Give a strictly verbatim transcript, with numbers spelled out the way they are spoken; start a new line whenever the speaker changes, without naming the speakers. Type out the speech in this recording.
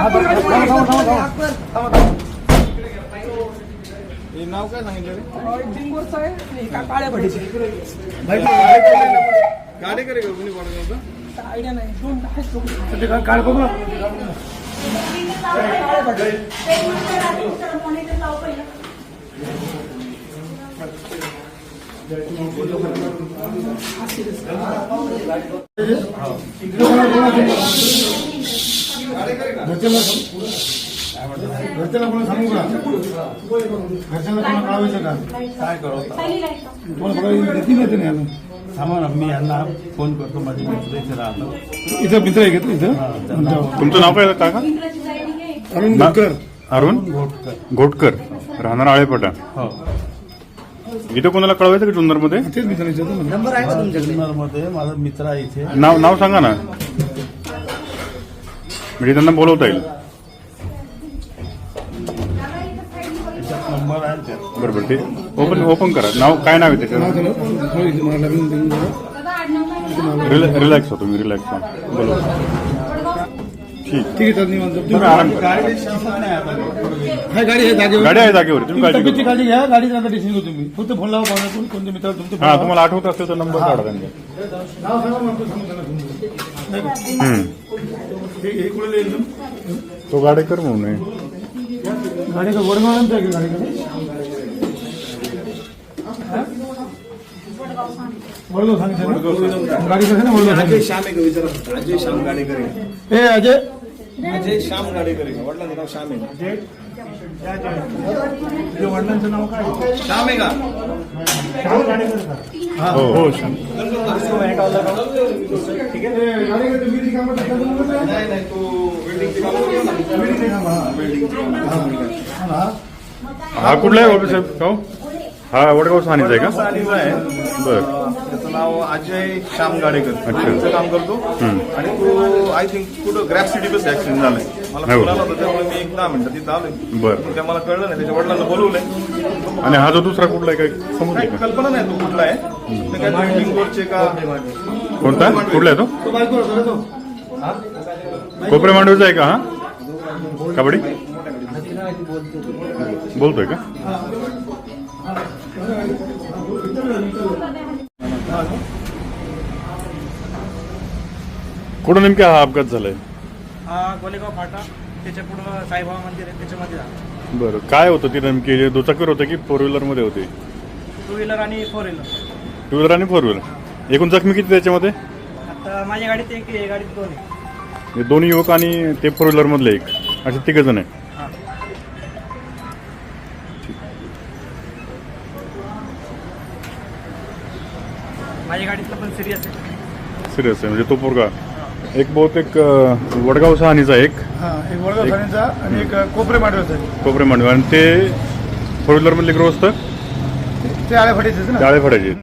नाव काय सांगितलं
डिंगोरचं आहे नाही का काळ्या भडीचे
गाडी करे का कोणी पडलं
आयडिया नाही दोन आहेत लोक
काळ बघू घरच्याला कोणी सांगू का घरच्यांना कोणा कळावायचं का काय करू तुम्हाला बघा घेतली नाही त्याने अजून
थांबा ना मी यांना फोन करतो माझे मित्र इथे राहतो
इथं मित्र आहे का इथं
तुमचं नाव काय काका
अरुण घोटकर
अरुण घोटकर राहणार आळेपटा
हो
इथं कोणाला कळवायचं का जुन्नर मध्ये
तेच मित्र विचारतो ना
नंबर आहे का तुमच्याकडे
मध्ये माझा मित्र आहे इथे
नाव नाव सांगा ना म्हणजे त्यांना बोलवता येईल
त्याच्यात नंबर आहे त्यात
बरोबर ते ओपन ओपन करा नाव काय नाव आहे त्याच्यात रिलॅक्स हो तुम्ही रिलॅक्स हो बोलो ठीक
ठीक आहे तर निवांत
तुम्ही आराम करा
हाय गाडी आहे जागेवर
गाडी आहे जागेवर तुम्ही काळजी
तब्येतची
करू
काळजी घ्या गाडीचं नका टेन्शन घेऊ तुम्ही फक्त फोन लावा कोणाकडून कोणत्या मित्राला तुमचं
हा तुम्हाला आठवत असेल तर नंबर काढा त्यांचा
नाव सांगा मग तो सांगू त्यांना तुम्ही.
हम्म.
हे हे कुठे एकदम
तो गाडेकर म्हणून आहे
गाडी का वडगावांचं आहे की गाडीकडे वडगाव सांगितलं ना? गाडीकडे आहे ना वडगाव
अजय
सांगितलं.
श्याम आहे का विचारा अजय श्याम गाडेकर आहे.
ए अजय
अजय श्याम गाडेकर आहे का? वडिलांचं नाव श्याम आहे का?
तुझ्या वडिलांचं नाव काय
श्याम आहे का
हो हो छान
ठीक आहे नाही नाही तो बिल्डिंगचे काम करतो ना. बिल्डिंगचे काम.
हा कुठला आहे बाबा साहेब गाव हा वडगाव सानीचा आहे का
सानीचा आहे
बर
त्याचं नाव अजय श्याम गाडेकर
अच्छा.
बिल्डिंगचं काम करतो
हम्म.
आणि तो आय थिंक कुठं ग्रॅफ सिटी बस ऍक्सिडेंट झालाय मला
हो.
फोन आला होता त्यामुळे मी एक दहा मिनिटं तिथं आलोय
बर
त्या मला कळलं नाही त्याच्या वडिलांना बोलवलंय
आणि हा जो दुसरा कुठला आहे काय समजलं
काही
का
कल्पना नाही तो कुठला आहे ते काय बिल्डिंग रोडचे का
कोणता कुठला आहे तो
तो बायको होता ना तो
कोपरे मांडवीचा आहे का हा कबड्डी बोलतोय का कुठं नेमका हा अपघात झालाय
हा गोलेगाव फाटा त्याच्या पुढं साईबाबा मंदिर आहे त्याच्यामध्ये झालं.
बरं काय होतं ती नेमकी जे दुचाकीवर होतं की फोर व्हीलर मध्ये होते
टू व्हीलर आणि फोर व्हीलर
टू व्हीलर आणि फोर व्हीलर एकूण जखमी किती त्याच्यामध्ये
आता माझ्या गाडीत एक आहे गाडीत दोन आहे
हे दोन युवक आणि ते फोर व्हीलर मधले एक असे तिघ जण आहे
हा माझ्या गाडीतलं पण सिरियस आहे
सिरियस आहे म्हणजे तो पोरगा एक बहुतेक अं, वडगाव सहानीचा एक
हा एक वडगाव सानीचा आणि एक कोपरे मांडवाचा आहे.
कोपरे मांडवी आणि ते फोर व्हीलर मधले ग्रोस्त
ते आळ्या फाटीचे ना
डाळे फडायचे